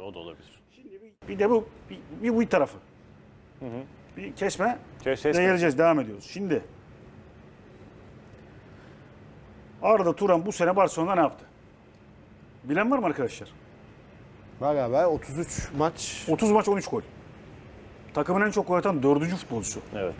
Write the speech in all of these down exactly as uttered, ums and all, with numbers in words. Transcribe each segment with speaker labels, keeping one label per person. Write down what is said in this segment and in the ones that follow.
Speaker 1: o da olabilir.
Speaker 2: Şimdi bir, bir de bu bir, bir bu tarafı.
Speaker 1: Hı hı.
Speaker 2: Bir kesme.
Speaker 1: Kes,
Speaker 2: de
Speaker 1: kesme.
Speaker 2: geleceğiz, devam ediyoruz. Şimdi Arda Turan bu sene Barcelona'da ne yaptı? Bilen var mı arkadaşlar?
Speaker 3: Var galiba otuz üç maç.
Speaker 2: otuz maç on üç gol. Takımın en çok gol atan dördüncü futbolcusu.
Speaker 1: Evet.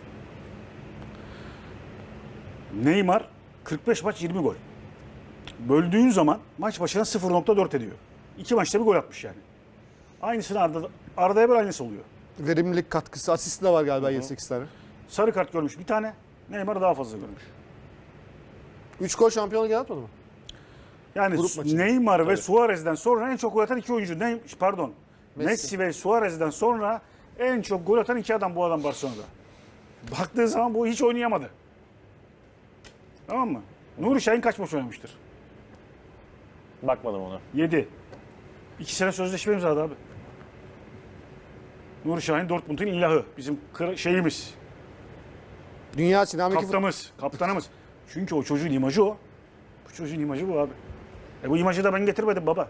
Speaker 2: Neymar kırk beş maç yirmi gol. Böldüğün zaman maç başına sıfır nokta dört ediyor. İki maçta bir gol atmış yani. Aynısını Arda, Arda'ya böyle aynısı oluyor.
Speaker 3: Verimlilik katkısı, asist de var galiba yedi sekiz tane.
Speaker 2: Sarı kart görmüş bir tane. Neymar daha fazla görmüş.
Speaker 3: üç gol şampiyonluk yaratmadı mı?
Speaker 2: Yani
Speaker 3: Grup maçı.
Speaker 2: Neymar ve Suarez'den sonra en çok gol atan iki oyuncu. Ne, pardon. Messi.
Speaker 3: Messi.
Speaker 2: ve Suarez'den sonra en çok gol atan iki adam bu adam Barcelona'da. Baktığı zaman bu hiç oynayamadı. Tamam mı? Nuri Şahin kaç maç oynamıştır?
Speaker 1: Bakmadım ona.
Speaker 2: yedi. iki sene sözleşme imzaladı abi. Nuri Şahin Dortmund'un ilahı. Bizim kır- şeyimiz.
Speaker 3: Dünya sinemaki
Speaker 2: Kaptanımız. Kaptanımız. Çünkü o çocuğun imajı o. Bu çocuğun imajı bu abi. E bu imajı da ben getirmedim baba.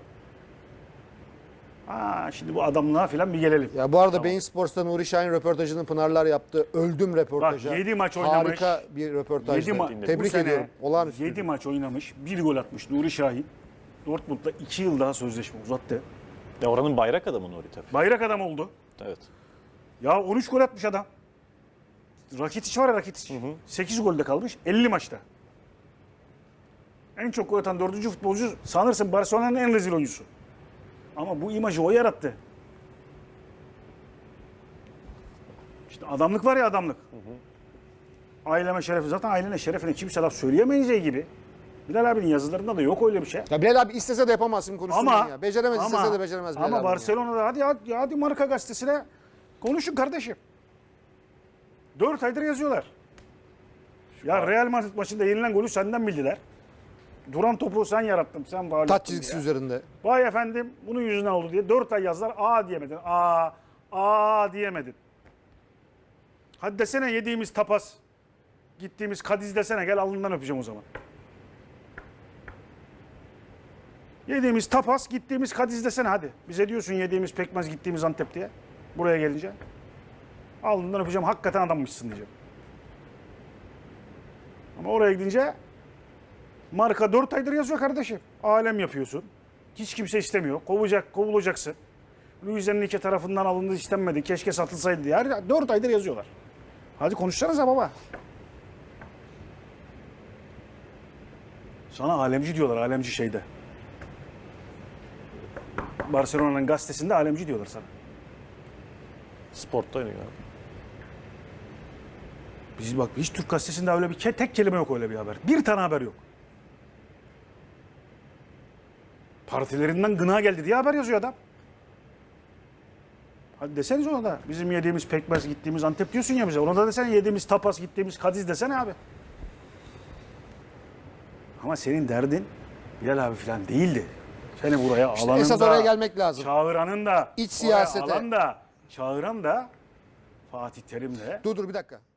Speaker 2: Aa, şimdi bu adamlığa falan bir gelelim.
Speaker 3: Ya bu arada Bein Sports'ta Nuri Şahin röportajını Pınarlar yaptı. Öldüm röportajı.
Speaker 2: Bak, yedi maç oynamış.
Speaker 3: Harika bir röportajdı.
Speaker 2: yedi ma-
Speaker 3: Tebrik
Speaker 2: bu sene
Speaker 3: ediyorum. Olağanüstü.
Speaker 2: yedi maç oynamış. bir gol atmış Nuri Şahin. Dortmund'da iki yıl daha sözleşme uzattı.
Speaker 1: Ya oranın bayrak adamı Nuri tabii.
Speaker 2: Bayrak adam oldu.
Speaker 1: Evet.
Speaker 2: Ya on üç gol atmış adam. Rakitic var ya Rakitic. sekiz golde kalmış elli maçta. En çok gol atan dördüncü futbolcu sanırsın Barcelona'nın en rezil oyuncusu. Ama bu imajı o yarattı. İşte adamlık var ya adamlık. Hı hı. Aileme şerefi zaten ailene şerefine kimse laf söyleyemeyeceği gibi. Bilal abinin yazılarında da yok öyle bir şey.
Speaker 3: Ya Bilal abi istese de yapamazsın konuşsun
Speaker 2: Ama
Speaker 3: ya. Beceremez
Speaker 2: ama,
Speaker 3: istese de beceremez Bilal
Speaker 2: Ama
Speaker 3: abinin ya.
Speaker 2: Barcelona'da hadi, hadi hadi Marka gazetesine konuşun kardeşim. Dört aydır yazıyorlar. Ya Real Madrid maçında yenilen golü senden bildiler. Duran topu sen yarattın, sen faul
Speaker 3: Taç
Speaker 2: ettin
Speaker 3: çizgisi
Speaker 2: diye.
Speaker 3: üzerinde.
Speaker 2: Vay efendim bunun yüzünden oldu diye dört ay yazdılar. Aa diyemedin. Aa, aa diyemedin. Hadi desene yediğimiz tapas, gittiğimiz Kadiz desene, gel alnından öpeceğim o zaman. Yediğimiz tapas, gittiğimiz Kadiz desene hadi. Bize diyorsun yediğimiz pekmez, gittiğimiz Antep diye. Buraya gelince. Alnından öpeceğim, hakikaten adammışsın diyeceğim. Ama oraya gidince Marka dört aydır yazıyor kardeşim. Alem yapıyorsun. Hiç kimse istemiyor. Kovacak, kovulacaksın. Luis Enrique tarafından alındı, istenmedi. Keşke satılsaydı diye. Her dört aydır yazıyorlar. Hadi konuşsanıza baba. Sana alemci diyorlar, alemci şeyde. Barcelona'nın gazetesinde alemci diyorlar sana.
Speaker 1: Sportta oynuyor.
Speaker 2: Biz bak hiç Türk gazetesinde öyle bir ke- tek kelime yok, öyle bir haber. Bir tane haber yok. Partilerinden gına geldi diye haber yazıyor adam. Hadi deseniz ona da. Bizim yediğimiz pekmez, gittiğimiz Antep diyorsun ya bize. Ona da desene yediğimiz tapas, gittiğimiz Kadiz desene abi. Ama senin derdin Bilal abi falan değildi. Seni buraya
Speaker 3: İşte
Speaker 2: alanın
Speaker 3: esas
Speaker 2: da,
Speaker 3: oraya gelmek lazım.
Speaker 2: çağıranın da,
Speaker 3: İç
Speaker 2: oraya
Speaker 3: siyasete.
Speaker 2: alan da, çağıran da Fatih Terim'le
Speaker 3: Dur dur bir dakika.